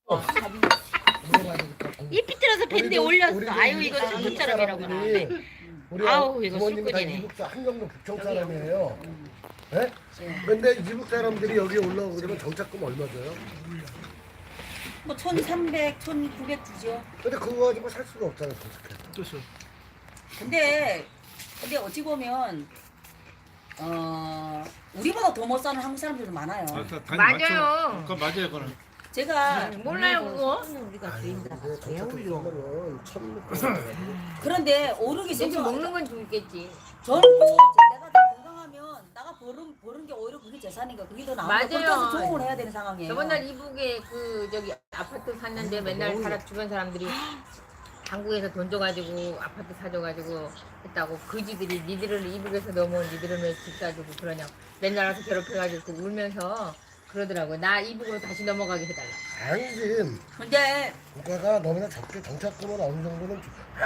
이 삐뚤어서 밴드에 올렸어. 아유 이거 한국사람이라고 하는데. 우리 아우, 이거 부모님이 다 술꾼이네. 이북 한경도 북청 사람이에요. 예? 근데 이북 사람들이 여기 올라오고 그러면 정착금 얼마 줘요? 뭐 1,300, 1,900 주죠. 근데 그거 가지고 살 수가 없잖아요, 정착해. 그렇죠. 근데 어찌 보면 우리보다 더 못 사는 한국 사람들도 많아요. 맞아요. 그거 맞아요, 그거는. 제가 몰라요 그거. 우리가 주인들 근데 정착금 배우려. 쓰면은 1,600원. 그런데 오르기 이제 전에 먹는 건 좋겠지. 저는 내가 좀 건강하면 나가 버는 게 오히려 그게 재산이니까 그게 더 나아. 맞아요. 혼자서 조공을 해야 되는 상황이에요. 저번 날 이북에 그 저기 아파트 샀는데 맨날 주변 사람들이 한국에서 돈 줘가지고 아파트 사줘가지고 했다고 그지들이 니들은 이북에서 넘어온 니들은 왜 집 사주고 그러냐 맨날 와서 괴롭혀가지고 울면서 그러더라고요. 나 이북으로 다시 넘어가게 해달라. 아니지. 근데 국가가 너무나 적게 정착금을 어느 정도는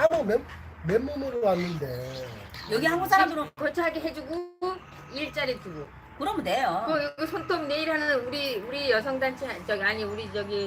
맨몸으로 왔는데. 여기 한국 사람들은 거처하게 해주고 일자리 주고 그러면 돼요. 그 손톱 내일 하는 우리 여성단체 저기 아니 우리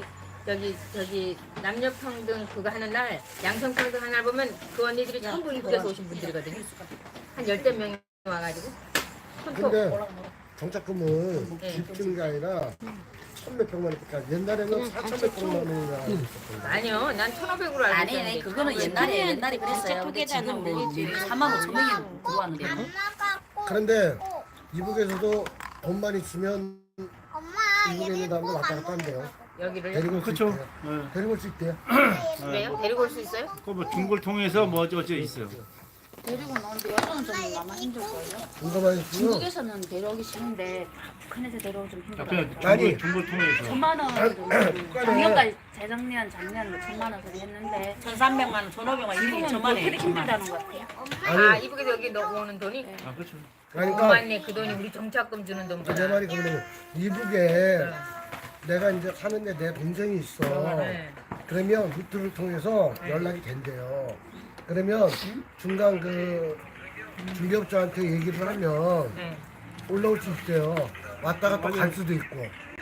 저기 남녀평등 그거 하는 날 양성평등 하는 날 보면 그 언니들이 전부 이북에서 오신 분들이거든요. 한 10명 와가지고 손톱 근데 정착금은 네. 집 주는 게 아니라 1,000몇백만 원이니까 옛날에는 4,000몇백만 원이나 아니요 난 1,500으로 알고 아니 있었는데 그거는 옛날에 그랬어요. 근데 지금 뭐 4만 5천 명이 들어왔는데 그런데 이북에서도 돈만 있으면 이북에 있는 사람들 왔다 갔다 한대요. 여기를 데리고 올 수 그렇죠. 있대요. 네. 데리고 올 수 있대요. 그래요? 데리고 올 수 있어요? 그뭐 중국을 통해서 뭐 어째 있어요. 데리고 나오는데 여자는 좀 아마 힘들걸요? 중간만 있으면 중국에서는 데려오기 쉬운데 북한에서 데려오기 좀 힘들어요. 아니. 중국을 통해서. 1,000만 원 작년까지 작년 뭐 1,000만 원 소리 했는데 1,300만 원, 1,500만 원, 지금은 2,000만 뭐 원에 그렇게 힘들다는 것 같아요. 아 아니 이북에서 여기 오는 돈이? 아 그렇죠. 그러니까 맞네 그 돈이 우리 정착금 주는 내 돈보다 말이 그러면 이북에 내가 이제 사는데 내 동생이 있어. 네. 그러면 루트를 통해서 연락이 된대요. 그러면 중간 그 중개업자한테 얘기를 하면 네. 올라올 수 있대요. 왔다가 또 갈 수도 있고.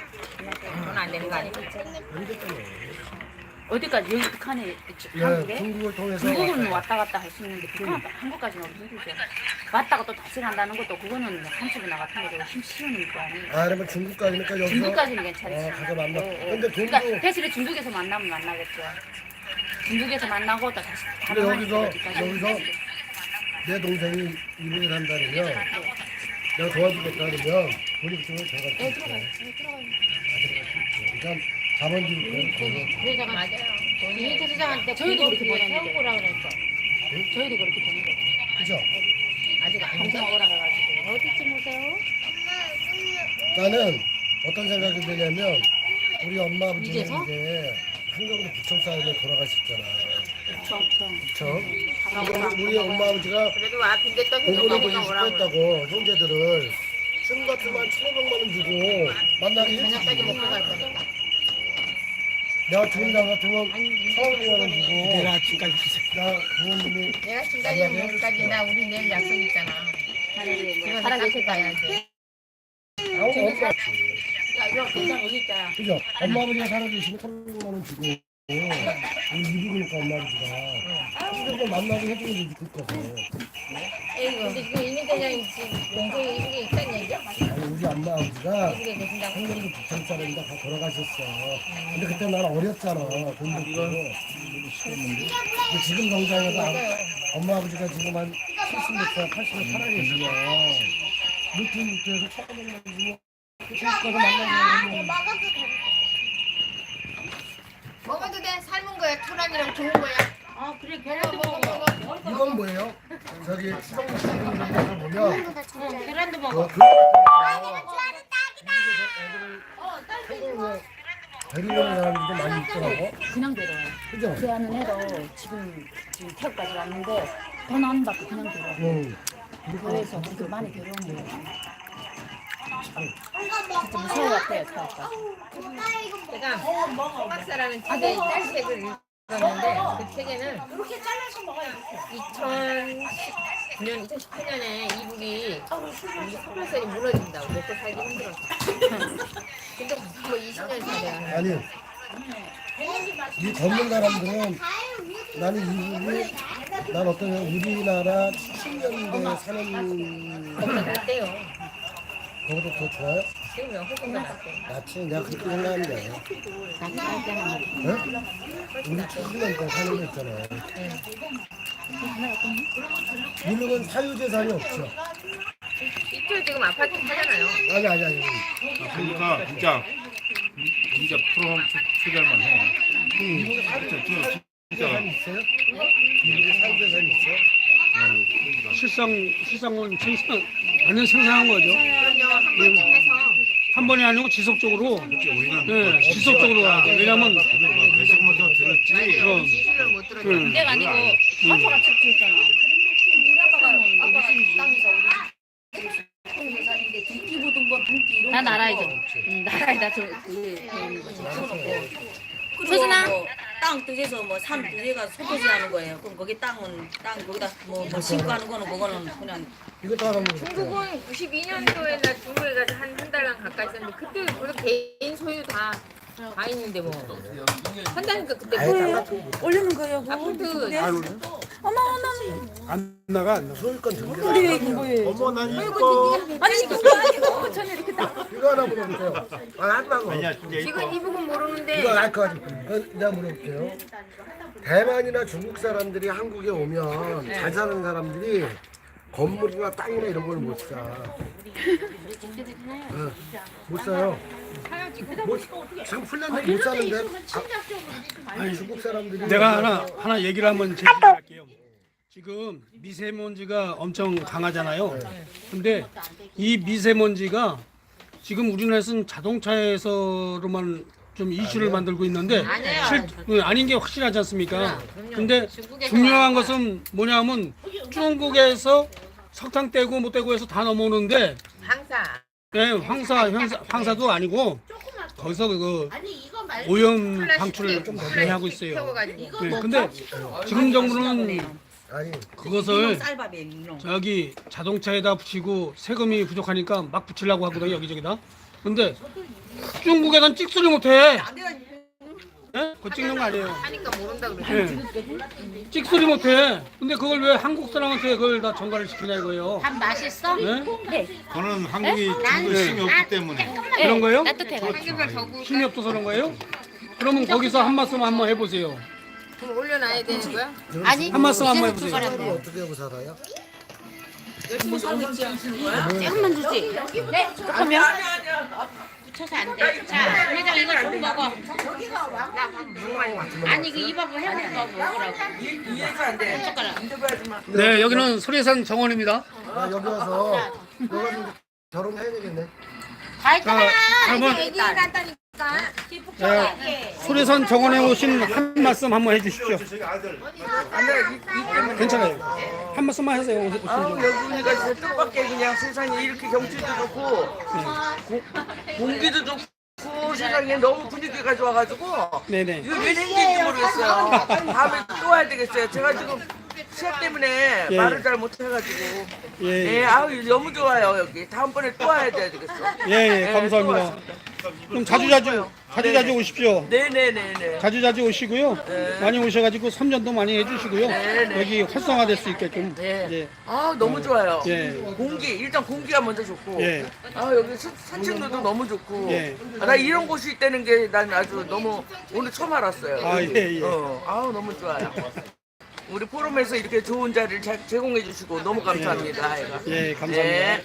돈 안 되는 거 아니에요? 어디까지 여기 북한에 예, 한국에? 중국을 통해서 중국은 왔다 갔다 할 수 있는데 북한 한국까지는 힘들죠. 왔다가 또 다시 간다는 것도 그거는 한쪽이나 같은 거죠. 쉬운 일도 아니에요. 아 그러면 중국까지니까 여기서 중국까지는 괜찮지. 가서 만나. 예, 예. 근데 그러니까 돈도 대신에 중국에서 만나면 만나겠죠. 중국에서 만나고 또 다시 근데 다른 여기서 내 동생이 이북에 산다면 내가 도와주겠다 그러면 돈이 그쪽으로 들어갈 수 있어. 그러니까 자본주의 그래서 맞아요. 이민태 시장한테 저희도 그렇게 보냈는데. 태워보라 그랬어. 저희도 그렇게 보는 거죠. 그죠? 아직 안 동생 오라 해가지고 어디쯤 오세요? 나는 어떤 생각이 드냐면 우리 엄마 아버지는 이제 한경도 부천 사람에 돌아가셨잖아. 부천. 우리 엄마 아버지가 그래도 와 빈대떡 공부를 보고 해줬다니까 싶어 오라고. 했다고 형제들을 춤 같으면 1,500만 원 주고 만나게 저녁까지 먹고 갈 해주지. 거니까. 내가 죽은 날 같으면 1,500만 원 주고 내가 아침까지 나 부모님이 내가 지금까지 먹기까지 나 우리 내일 약속 있잖아. 이거 살아계실 가야지. 아우 엄마 야 이거 그냥 여기 있잖아. 그죠? 엄마 아버지가 살아계시면 1,500만 원 주고 우리 미국이니까 엄마 아버지가 그거 만나게 해주면 되지 그거서. 근데 지금 이민태장이 지금 동생이 이북에 있다는 얘기야? 아니 우리 엄마 아버지가 이북에 계신다고? 한국에서 부천 사람이다 다 돌아가셨어. 근데 그때 나는 어렸잖아. 돈도 없고. 근데 지금 당장에도 엄마 아버지가 지금 한 70몇 살, 80몇 살아계시면 루트에서 1,500만 주고 그때까지 만나면 먹어도 돼? 삶은 거야? 토란이랑 좋은 거야? 아 그래 먹어 먹어. 이건 뭐예요? 저기 추정부 시민들에서 보면 계란도 그 먹어. 애들 데리고 오는 사람들도 많이 있더라고. 그냥 데려와요. 그죠? 제 아는 애도 지금 태국까지 왔는데 돈 안 받고 그냥 데려와요. 응. 그래서 그렇게 많이 데려오는 거예요. 진짜 무서워 같아요 태국까지. 제가 호박사라는 책에 딸책을 읽었는데 그 책에는 2019년, 2018년에 이북이 우리 서울살이 무너진다고 먹고 살기 힘들어서. 근데 뭐 20년 전에 아니 이 걷는 사람들은 나는 이분이 난 어떤 우리나라 70년대 사는 거기서 낫대요. 거보다 더 좋아요? 지금 훨씬 더 낫대. 낫지 내가 그렇게 생각하는데 응? 우리 70년대 사는 거 있잖아요. 미국은 사유재산이 없죠. 이쪽 지금 아파트 사잖아요. 아니. 그러니까 진짜 프로 투자만 해. 미국에 진짜 사유재산이 있어요? 미국에 사유재산이 있어요? 실상은 완전 생산한 거죠. 그럼요. 한 번쯤 해서 한 번이 아니고 지속적으로. 우리는 네, 지속적으로 가야 돼. 왜냐면 몇십 번더 들었지. 그럼 지시를 못 들었죠. 내가 아니고 아빠가 착취했잖아. 우리 아빠가 땅에서 우리 회사인데 등기 묻은 거 등기 이런 나 거 나라 이제. 나라에 소순아 땅 뜻에서 뭐 산 뜻에가 소토지 하는 거예요. 그럼 거기 땅 거기다 뭐 심고 하는 거는 그거는 그냥 이것도 하나 먹을게요. 중국은 92년도에 나 중국에 가서 한 달간 가까이 있었는데 그때 우리 개인 소유 다 있는데 뭐 한다니까 그때 올리는 거예요. 아파트 안 나가. 소유권 등기. 어머 난 이거. 아니 그거 아니고 저는 이렇게 딱 이거 하나 물어볼게요. 안 나고. 아니야 진짜 지금 이거. 이 부분 모르는데 이거 알 것 같아요. 내가 물어볼게요. 대만이나 중국 사람들이 한국에 오면 잘 사는 사람들이 건물이나 땅이나 이런 걸 못 사. 못 사요. 지금 폴란드 못 사는데 중국 사람들이 내가 하나 얘기를 한번 제시할게요. 지금 미세먼지가 엄청 강하잖아요. 근데 이 미세먼지가 지금 우리나라에서는 자동차에서로만 좀 이슈를 만들고 있는데 아닌 게 확실하지 않습니까? 근데 중요한 것은 뭐냐면 중국에서 석탄 떼고 못 떼고 해서 다 넘어오는데 항사 네, 황사도 아니고 거기서 그 오염 방출을 좀 많이 하고 있어요. 태워가지고 네, 근데 지금 정부는 아니 그것을 쌀밥이에요. 이놈. 저기 자동차에다 붙이고 세금이 부족하니까 막 붙이려고 하거든요, 여기저기다. 근데 중국에선 찍소리 못해. 네? 그거 찍는 거 아니에요. 하니까 모른다 그러죠. 네. 찍소리 못해. 근데 그걸 왜 한국 사람한테 그걸 다 전가를 시키냐 이거예요. 밥 맛있어? 네? 그거는 한국이 중국에 힘이 없기 때문에. 그런 거예요? 삼겹살 더 구울까? 힘이 없어서 그런 거예요? 그러면 거기서 한 말씀 한번 해보세요. 그럼 올려놔야 되는 거야? 아니 한 말씀 한번 이제는 해보세요. 두 숟가락. 어떻게 하고 살아요? 조금만 주지. 네? 그러면 붙여서 안 돼. 자, 회장 이거 좀 먹어. 아니 그 이 밥을 해먹은 거 먹으라고. 한 숟가락. 네, 여기는 소리산 정원입니다. 나 여기 와서 너가 좀 결혼해야 되겠네. 다 했잖아. 그러면 얘기 간다니까. 소리산 정원에 오신 한 말씀 한번 해주십시오. 괜찮아요. 한 말씀만 하세요. 여기가 진짜 뜻밖의 그냥 세상에 이렇게 경치도 좋고 공기도 좋고 세상에 너무 분위기가 좋아가지고 네네. 이거 왜 생긴지 모르겠어요. 다음에 또 와야 되겠어요. 제가 지금 시합 때문에 예. 말을 잘 못해가지고 예, 예, 아우 너무 좋아요 여기. 다음번에 또 와야 되겠어. 예, 예, 감사합니다. 좀 자주 오십시오. 네네네네. 자주 오시고요. 많이 오셔가지고 선전도 많이 해주시고요. 네. 여기 활성화될 수 있게끔. 네. 예, 아 너무 좋아요. 예. 공기 일단 공기가 먼저 좋고. 예. 아 여기 산책로도 너무 좋고. 예. 아, 나 이런 곳이 있다는 게 난 아주 너무 오늘 처음 알았어요. 아, 예, 예. 아우 너무 좋아요. 우리 포럼에서 이렇게 좋은 자리를 제공해 주시고 너무 감사합니다. 예, 감사합니다. 네.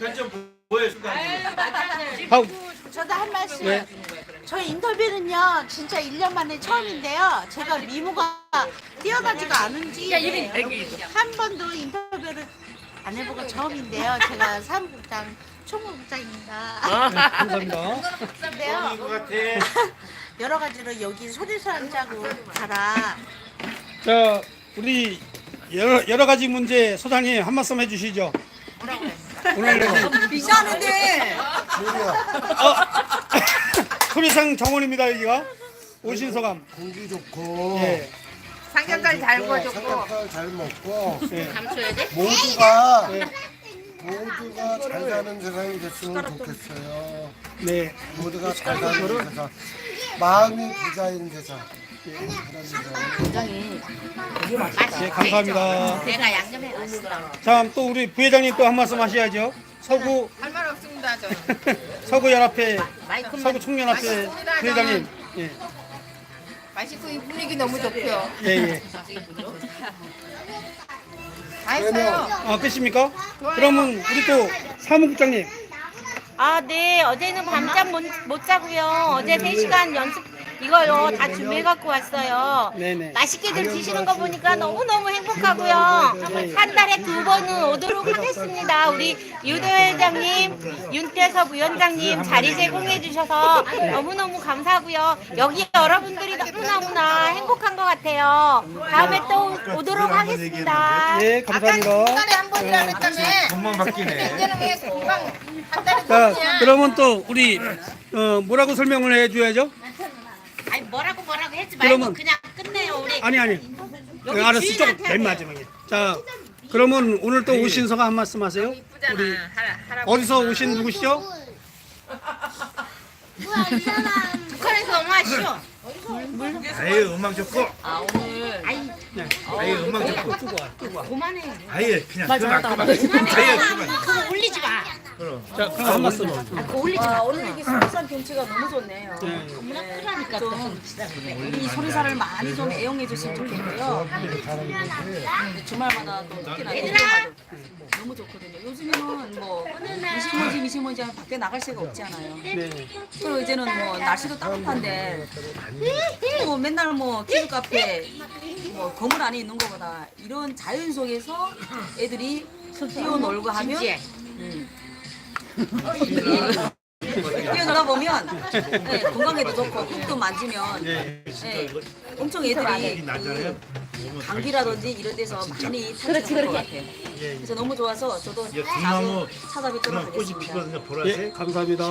저도 한 말씀. 네. 저 인터뷰는요, 진짜 1년 만에 처음인데요. 제가 미모가 뛰어나지가 않은지 한 번도 인터뷰를 안 해보고 처음인데요. 제가 사무국장, 총무국장입니다. 감사합니다. 근데요, 여러 가지로 여기 소리산 짜고 가라. 자, 우리 여러 가지 문제 소장님 한 말씀 해주시죠. 오늘 비싸는데. 소리산 정원입니다 여기가. 오신 소감. 공기 좋고 예, 삼겹살 잘 구워줬고 삼겹살 잘 먹고 예. 감춰야 돼? 모두가 잘 사는 세상이 됐으면 좋겠어요. 네. 모두가 잘 사는 세상. 마음이 부자인 대사. 굉장히 예, 감사합니다. 내가 양념해 놨어. 자, 또 우리 부회장님 또 한 말씀 하셔야죠. 서구 할 말 없습니다. 저. 서구 연합회 마이크만 서구 청년합회 부회장님. 예, 맛있고 이 분위기 너무 좋고요. 예, 예. 다 했어요. 아, 끝입니까? 그러면 우리 또 사무국장님. 아, 네. 어제는 밤잠 못 자고요. 어제 3시간 연습 이거요 다 준비해 갖고 왔어요. 네네. 맛있게들 드시는 거 보니까 너무너무 행복하고요. 한 달에 2번은 오도록 하겠습니다. 우리 유도 회장님, 윤태섭 위원장님 자리 제공해 주셔서 너무너무 감사하고요. 여기 여러분들이 너무너무나 행복한 것 같아요. 다음에 또 오도록 하겠습니다. 예, 감사합니다. 달에 한 번이라 그랬다며. 돈만 바뀌네. 이제는 왜 금방 한 달에 자, 한 그러면 또 우리 뭐라고 설명을 해줘야죠? 아니 뭐라고 했지 말고 그러면- 그냥 끝내요 우리. 아니 여기 알았어. 주인한테 좀 맨 마지막에. 자, 그러면 오늘 또 오신 소감 한 말씀 하세요. 우리 어디서 오신 누구시죠? 북한에서 엄마시오. 아예 음악 좋고. 아 오늘 아예 음악 좋고. 그만해. 아예 그냥 그만. 아예 그만. 그거 올리지 마. 자, 그럼 한 말씀. 그거 올리지 마. 오늘 이게 소리산 경치가 너무 좋네요. 그러니까 좀 우리 소리사를 많이 좀 애용해 주시면 좋겠고요. 주말마다 또 특히나 일요일마다 너무 좋거든요. 요즘에는 뭐 미세먼지 하면 밖에 나갈 새가 없잖아요. 네. 그리고 이제는 뭐 날씨도 따뜻한데 뭐 맨날 뭐 키즈 카페 뭐 건물 안에 있는 것보다 이런 자연 속에서 애들이 뛰어놀고 하면 뛰어놀아 보면 네, 건강에도 좋고 흙도 만지면 네, 엄청 애들이 그 감기라든지 이런 데서 많이 탈출할 것 같아요. 그래서 너무 좋아서 저도 자주 등나무 찾아뵙도록 그런 꽃이 하겠습니다. 피거든요. 보라색. 예, 감사합니다.